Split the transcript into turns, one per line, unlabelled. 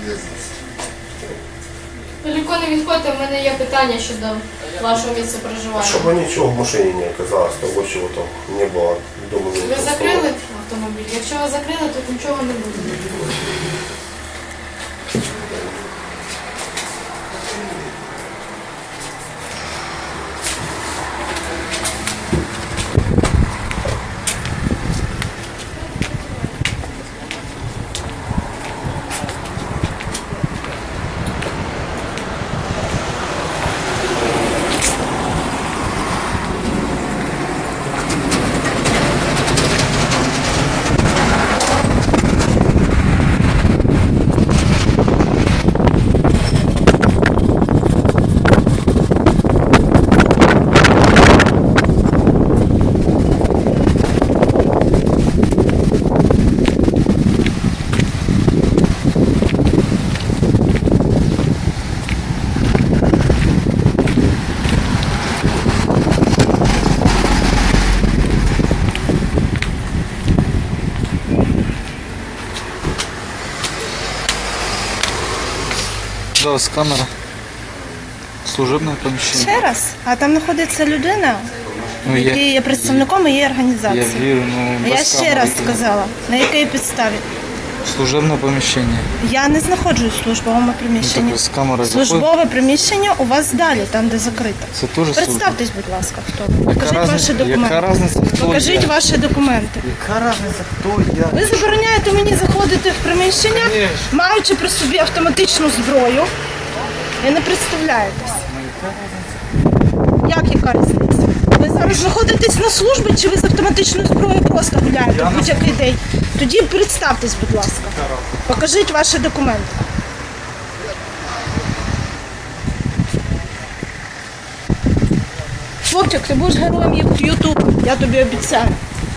Далеко не відходьте, в мене є питання щодо вашого місця проживання.
Чтобы ничего в машине не оказалось, того, чего там не было дома.
Ви закрили автомобіль? Якщо ви закрили, то нічого не буде.
Зараз камера. Служебне поміщення.
Ще раз, а там знаходиться людина,
Ну,
який є представником її
я
організації.
вірю, ну без
Я ще
камери
раз
тільки.
сказала, на якій підставі.
Служебне поміщення.
Я не знаходжусь в службовому
Ну, так
приміщенні.
з камери заходить.
Службове приміщення у вас далі, там де закрито.
Це теж служба.
Представтесь, будь ласка, хто ви. Покажіть ваші
Яка
документи.
різниця, хто
Покажіть
я?
ваші документи.
Яка різниця, хто я?
Ви забороняєте мені заходити в приміщення, маючи при собі автоматичну зброю. І не представляєтесь. Як яка різниця? Ви зараз знаходитесь на службі, чи ви з автоматичною зброєю просто гуляєте в будь-який день? Тоді представтесь, будь ласка. Покажіть ваші документи. Хлопчик, ти будеш героєм Ютубу, я тобі обіцяю.